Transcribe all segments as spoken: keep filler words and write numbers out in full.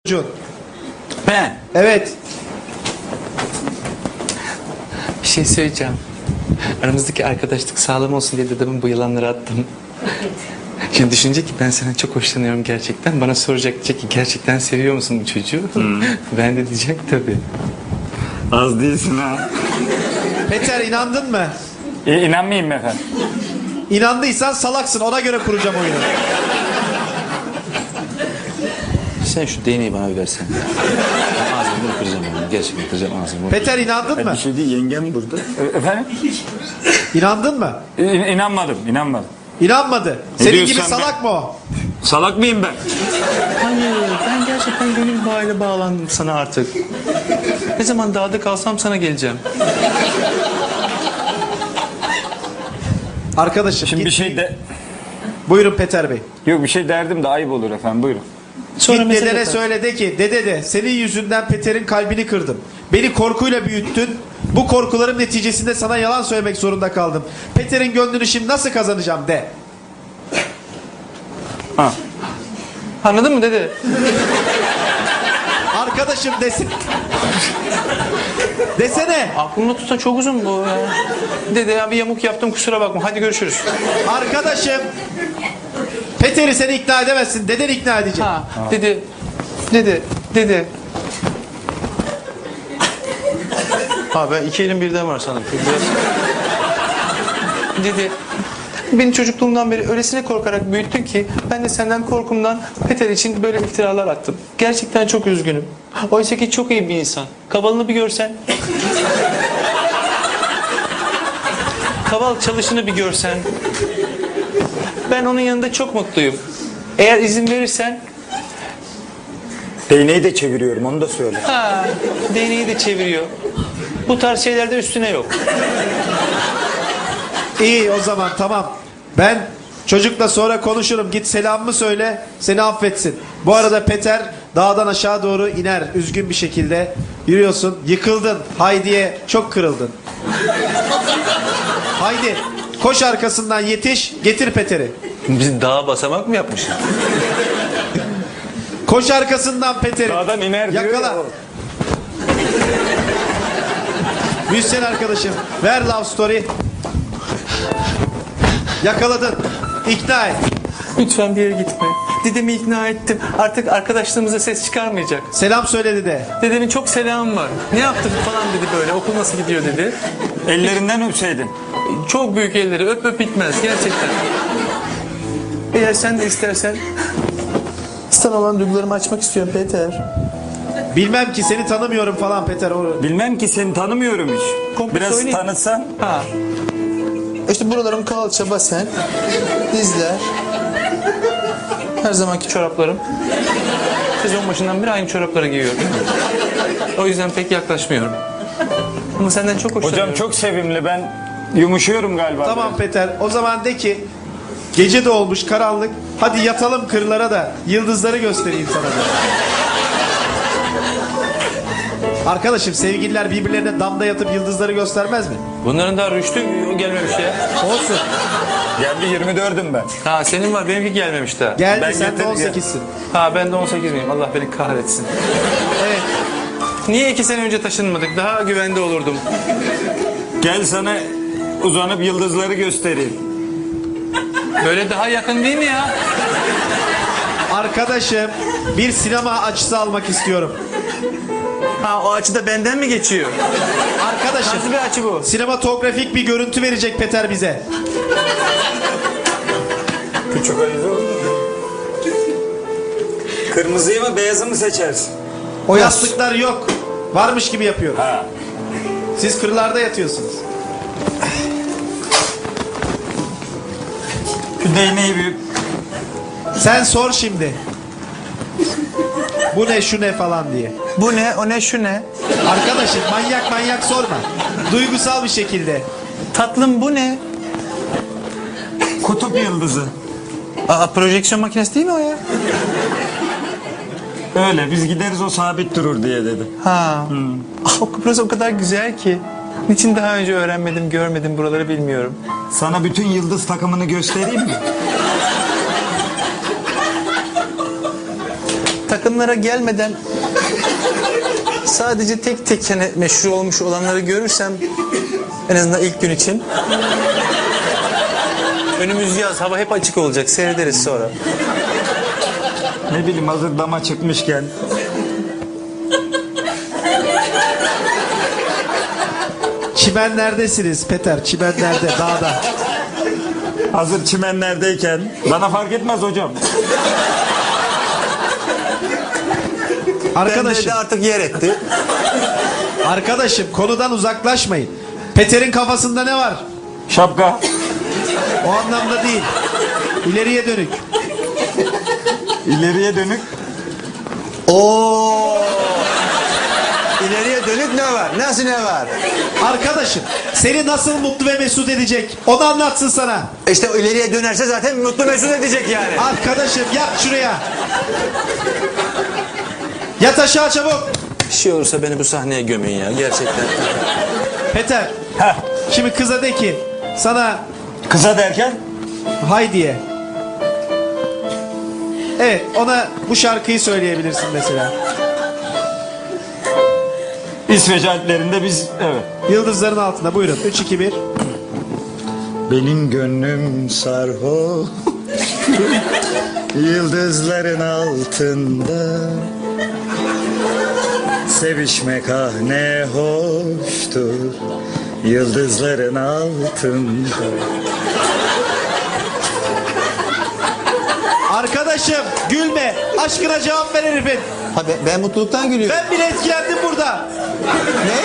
Çocuğun. Ben Evet. bir şey söyleyeceğim. Aramızdaki arkadaşlık sağlam olsun diye dedemin bu yılanları attım. Şimdi düşünecek ki ben senden çok hoşlanıyorum gerçekten. Bana soracak, diyecek ki gerçekten seviyor musun bu çocuğu? Ben de diyecek tabii. Az değilsin ha. Peter, inandın mı? E, inanmayayım mı efendim? İnandıysan salaksın, ona göre kuracağım oyunu. Sen şu değneği bana bir versene. Ben ağzımı kıracağım onu. Gerçekten kıracağım ağzımı. Peter, inandın mı? Bir şey değil, yengem burada. E, efendim? İnandın mı? E, inanmadım, inanmadım. İnanmadı. Senin diyorsun gibi sen salak mı o? Salak mıyım ben? Hayır, ben gerçekten gönül bağıyla bağlandım sana artık. Ne zaman dağda kalsam sana geleceğim. Arkadaşım Şimdi git. bir şey de... Buyurun Peter Bey. Yok, bir şey derdim de ayıp olur efendim, buyurun. Sonra Git mesele dedene atar. söyle de ki dede de senin yüzünden Peter'in kalbini kırdım. Beni korkuyla büyüttün. Bu korkularım neticesinde sana yalan söylemek zorunda kaldım. Peter'in gönlünü şimdi nasıl kazanacağım de. Ha. Anladın mı dede? Arkadaşım desin. Desene. Aklımda tutan çok uzun bu ya. Dede ya bir yamuk yaptım, kusura bakma. Hadi görüşürüz. Arkadaşım. Peter'i seni ikna edemezsin. Deden ikna edecek. Ha, dede, dede, dede. Ha ben iki elim birden var sanırım. Biraz... Dede, beni çocukluğumdan beri öylesine korkarak büyüttün ki ben de senden korkumdan Peter için böyle iftiralar attım. Gerçekten çok üzgünüm. Oysa ki çok iyi bir insan. Kavalını bir görsen. Kaval çalışını bir görsen. Ben onun yanında çok mutluyum. Eğer izin verirsen, Değneği de çeviriyorum, onu da söyle. ha, değneği de çeviriyor. Bu tarz şeylerde üstüne yok. İyi o zaman, tamam. Ben çocukla sonra konuşurum. Git selamımı söyle. Seni affetsin. Bu arada Peter dağdan aşağı doğru iner. Üzgün bir şekilde yürüyorsun. Yıkıldın. Haydi'ye çok kırıldın. Haydi koş arkasından, yetiş. Getir Peter'i. Biz dağa basamak mı yapmışız? Koş arkasından Peter'i. Dağdan iner diyor Yakala. ya. Müzisyen arkadaşım. Ver love story. Yakaladın. İkna et. Lütfen bir yere gitme. Dedemi ikna ettim. Artık arkadaşlığımıza ses çıkarmayacak. Selam söyledi de. Dedemin çok selamı var. Ne yaptık falan dedi böyle. Okul nasıl gidiyor dedi. Ellerinden öpseydin. Çok büyük elleri. Öp öp bitmez gerçekten. Eğer sen de istersen sana olan duygularımı açmak istiyorum Peter. Bilmem ki, seni tanımıyorum falan Peter. O... Bilmem ki, seni tanımıyorum hiç. Komple Biraz söyleyeyim. tanıtsan. Ha. İşte buralarım kalça, basen, dizler. Her zamanki çoraplarım. Sezon başından beri aynı çorapları giyiyorum. O yüzden pek yaklaşmıyorum. Ama senden çok hoşlanıyorum. Hocam çok sevimli, ben yumuşuyorum galiba. Tamam biraz. Peter. O zaman de ki gece de olmuş, karanlık. Hadi yatalım kırlara da yıldızları göstereyim sana da. Arkadaşım, sevgililer birbirlerine damda yatıp yıldızları göstermez mi? Bunların daha rüştü gelmemiş ya. Olsun. Geldi, yirmi dördüm ben. Ha senin var, benimki gelmemiş daha. Geldi, Ben sen de getirdim on sekizsin. Ha ben de on sekiz miyim? Allah beni kahretsin. Evet. Niye iki sene önce taşınmadık? Daha güvende olurdum. Gel sana uzanıp yıldızları göstereyim. Böyle daha yakın değil mi ya? Arkadaşım, bir sinema açısı almak istiyorum. Ha o açıda benden mi geçiyor? Arkadaşım, Nasıl bir açı bu? sinematografik bir görüntü verecek Peter bize. Küçük ayıza olur. Kırmızıyı mı beyazı mı seçersin? O yastıklar yok. Varmış gibi yapıyorum. Ha. Siz kırlarda yatıyorsunuz. Şu değneği bir... Sen sor şimdi. Bu ne, şu ne falan diye. Bu ne? O ne? Şu ne? Arkadaşım, manyak manyak sorma. Duygusal bir şekilde. Tatlım bu ne? Kutup yıldızı. Aa projeksiyon makinesi değil mi o ya? Öyle, biz gideriz o sabit durur diye dedi. Ha. Ah, o Kıbrıs o kadar güzel ki. Niçin daha önce öğrenmedim, görmedim buraları bilmiyorum. Sana bütün yıldız takımını göstereyim mi? takımlara gelmeden sadece tek tek hani meşhur olmuş olanları görürsem en azından ilk gün için. Önümüz yaz, hava hep açık olacak. Seyrederiz sonra. Ne bileyim hazır dama çıkmışken. Çimenlerdesiniz Peter. Çimenlerde, dağda. Hazır çimenlerdeyken. Bana fark etmez hocam. Bende Arkadaşım, de artık yer etti. arkadaşım konudan uzaklaşmayın. Peter'in kafasında ne var? Şapka. O anlamda değil. İleriye dönük. İleriye dönük. Oo! İleriye dönük ne var? Nasıl ne var? Arkadaşım seni nasıl mutlu ve mesut edecek? Onu anlatsın sana. İşte o ileriye dönerse zaten mutlu mesut edecek yani. Arkadaşım yat şuraya. Yat aşağı çabuk. Bir şey olursa beni bu sahneye gömeyin ya gerçekten. Peter. Heh. Şimdi kıza de ki sana Kısa derken. Haydi'ye. Evet, ona bu şarkıyı söyleyebilirsin mesela. İsveç Alplerinde biz evet. Yıldızların altında buyurun. üç iki bir. Benim gönlüm sarhoş. Yıldızların altında. Sevişmek ah ne hoştur. Yıldızların altında. Arkadaşım gülme. Aşkına cevap ver herifin. Ha, ben, ben mutluluktan gülüyorum. Ben bile etkilendim burada. Ne?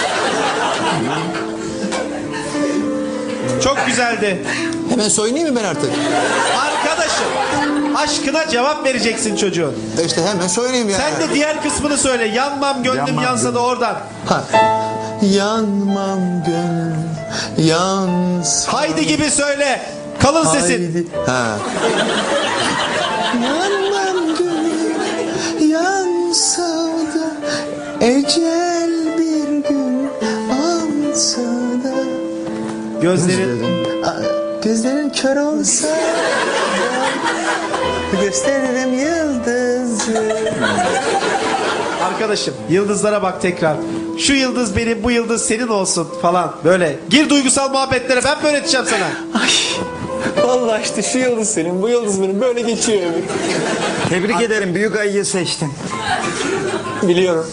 Çok güzeldi. Hemen soyunayım mı ben artık? Arkadaşım aşkına cevap vereceksin çocuğun. E İşte hemen soyunayım yani. Sen de diğer kısmını söyle. Yanmam gönlüm Yanmam yansa da gönlüm. oradan. Ha. Yanmam gönlüm yansa. Haydi gibi söyle. Kalın sesin. Haydi. Ha. Yanmam gönlüm yansa da ecel bir gün alsa da Gözlerin. Aa, gözlerin kör olsa da gösteririm yıldızı. Arkadaşım yıldızlara bak tekrar. Şu yıldız benim, bu yıldız senin olsun falan. Böyle. Gir duygusal muhabbetlere, ben mi öğreteceğim sana? Ay, vallahi işte şu yıldız senin, bu yıldız benim. Böyle geçiyor ömür. Tebrik ederim büyük ayıyı seçtin. Biliyorum.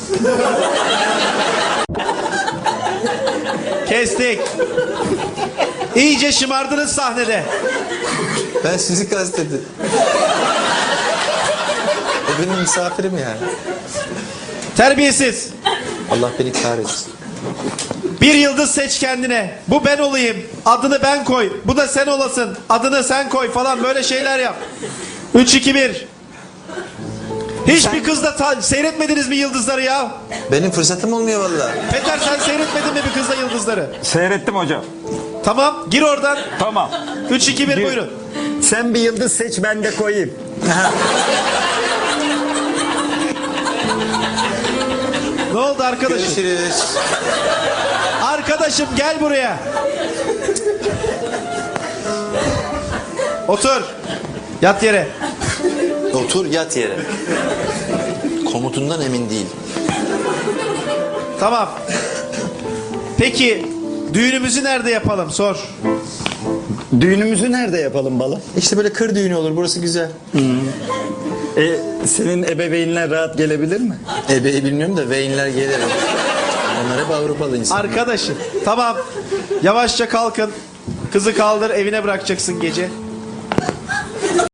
Kestik. İyice şımardınız sahnede. Ben sizi kastettim. O benim misafirim yani. Terbiyesiz. Allah beni kahretsin. Bir yıldız seç kendine. Bu ben olayım. Adını ben koy. Bu da sen olasın. Adını sen koy falan böyle şeyler yap. üç iki bir. Hiçbir kızla ta- seyretmediniz mi yıldızları ya? Benim fırsatım olmuyor vallahi. Peter sen seyretmedin mi bir kızla yıldızları? Seyrettim hocam. Tamam gir oradan. Tamam. üç iki bir Gir. buyurun. Sen bir yıldız seç ben de koyayım. Ne oldu arkadaşım? Görüşürüz. Arkadaşım gel buraya. Otur. Yat yere. Otur yat yere. Komutundan emin değil. Tamam. Peki düğünümüzü nerede yapalım? Sor. Düğünümüzü nerede yapalım bala? İşte böyle kır düğünü olur. Burası güzel. E, senin ebeveynler rahat gelebilir mi? Ebeyi bilmiyorum da veyinler gelir. Onlar hep Avrupalı insan. Arkadaşım tamam. Yavaşça kalkın. Kızı kaldır evine bırakacaksın gece.